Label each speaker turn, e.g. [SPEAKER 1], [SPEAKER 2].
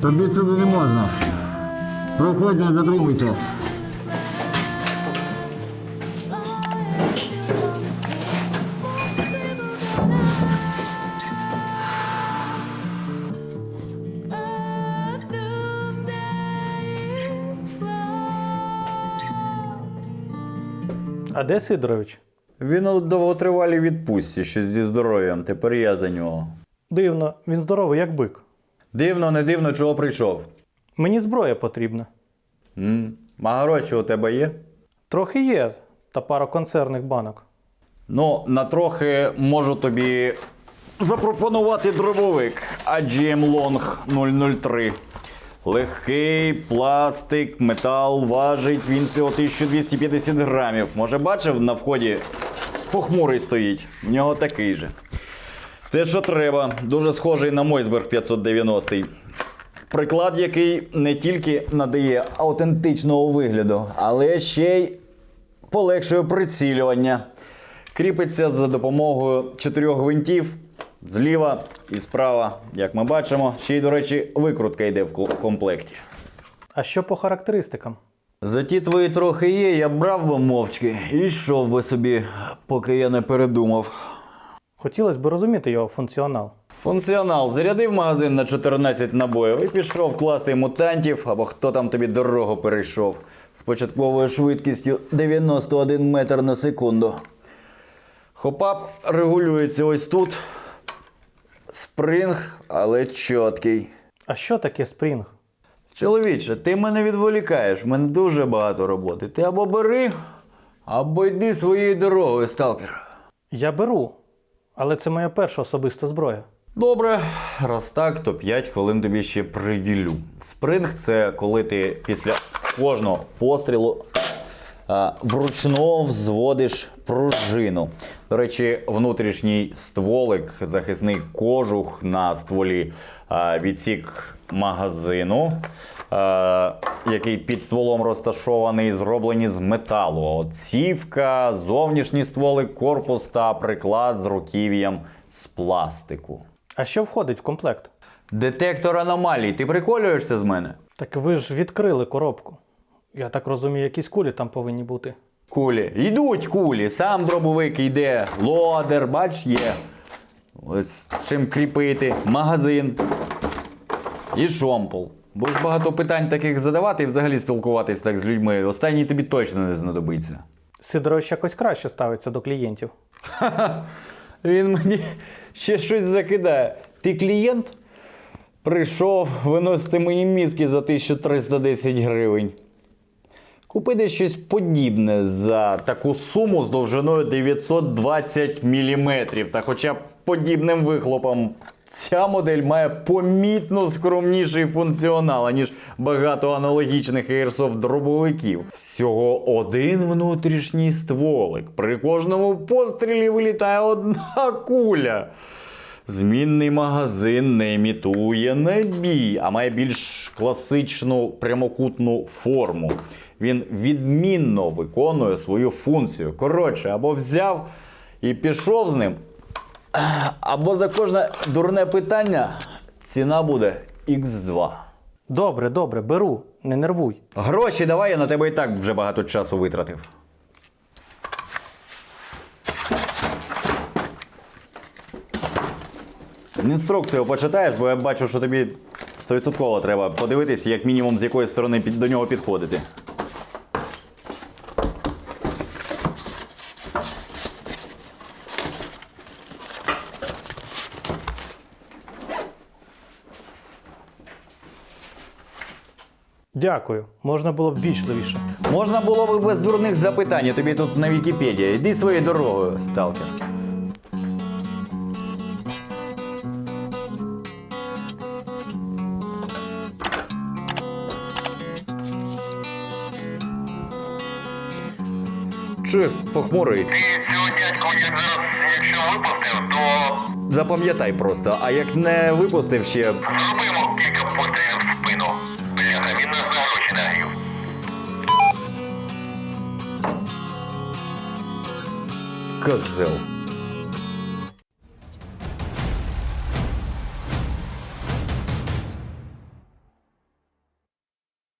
[SPEAKER 1] Тобі сюди не можна. Проходь, не затримуйся.
[SPEAKER 2] А де Сидорович?
[SPEAKER 3] Він у довготривалій відпустці, щось зі здоров'ям, тепер я за нього.
[SPEAKER 2] Дивно, він здоровий, як бик.
[SPEAKER 3] Дивно, не дивно, чого прийшов.
[SPEAKER 2] Мені зброя потрібна.
[SPEAKER 3] А гроші у тебе є?
[SPEAKER 2] Трохи є, та пара консервних банок.
[SPEAKER 3] Ну, на трохи можу тобі запропонувати дробовик AGM Long 003. Легкий, пластик, метал, важить він всього 1250 грамів. Може бачив, на вході похмурий стоїть, в нього такий же. Те, що треба, дуже схожий на Мойсберг 590. Приклад, який не тільки надає аутентичного вигляду, але ще й полегшує прицілювання. Кріпиться за допомогою 4 гвинтів зліва і справа, як ми бачимо. Ще й, до речі, викрутка йде в комплекті.
[SPEAKER 2] А що по характеристикам?
[SPEAKER 3] За ті твої трохи є, я брав би мовчки і йшов би собі, поки я не передумав.
[SPEAKER 2] Хотілося б розуміти його функціонал.
[SPEAKER 3] Функціонал. Зарядив магазин на 14 набоїв і пішов класти мутантів, або хто там тобі дорогу перейшов, з початковою швидкістю 91 метр на секунду. Хопап регулюється ось тут. Спринг, але чіткий.
[SPEAKER 2] А що таке спрінг?
[SPEAKER 3] Чоловіче, ти мене відволікаєш, в мене дуже багато роботи. Ти або бери, або йди своєю дорогою, сталкер.
[SPEAKER 2] Я беру, але це моя перша особиста зброя.
[SPEAKER 3] Добре, раз так, то 5 хвилин тобі ще приділю. Спринг – це коли ти після кожного пострілу вручну взводиш пружину. До речі, внутрішній стволик, захисний кожух на стволі, відсік магазину, який під стволом розташований, зроблені з металу. Цівка, зовнішній стволик, корпус та приклад з руків'ям з пластику.
[SPEAKER 2] А що входить в комплект?
[SPEAKER 3] Детектор аномалій. Ти приколюєшся з мене?
[SPEAKER 2] Так ви ж відкрили коробку. Я так розумію, якісь кулі там повинні бути.
[SPEAKER 3] Кулі. Йдуть кулі. Сам дробовик йде. Лодер, бач, є. Ось чим кріпити. Магазин. І шомпол. Будеш багато питань таких задавати і взагалі спілкуватись так з людьми. Останній тобі точно не знадобиться.
[SPEAKER 2] Сидорович якось краще ставиться до клієнтів.
[SPEAKER 3] Він мені ще щось закидає. Ти клієнт? Прийшов виносити мої мізки за 1310 гривень. Купи десь щось подібне за таку суму з довжиною 920 мм та хоча б подібним вихлопом. Ця модель має помітно скромніший функціонал, ніж багато аналогічних Airsoft-дробовиків. Всього один внутрішній стволик. При кожному пострілі вилітає одна куля. Змінний магазин не імітує набій, а має більш класичну прямокутну форму. Він відмінно виконує свою функцію. Коротше, або взяв і пішов з ним, або за кожне дурне питання ціна буде Х2.
[SPEAKER 2] Добре, добре, беру, не нервуй.
[SPEAKER 3] Гроші давай, я на тебе і так вже багато часу витратив. Інструкцію почитаєш, бо я бачу, що тобі 100% треба подивитись, як мінімум з якої сторони до нього підходити.
[SPEAKER 2] Дякую, можна було б вічливіше.
[SPEAKER 3] Можна було б без дурних запитань, тобі тут на Вікіпедії. Йди своєю дорогою, сталкер. Чи похмурий?
[SPEAKER 4] Ти цього дядьку, якщо випустив, то
[SPEAKER 3] Запам'ятай просто, а як не випустив ще...
[SPEAKER 4] зробимо кілька пострілів в спину. Бляха, він нас на гроші нагрів.
[SPEAKER 3] Козел.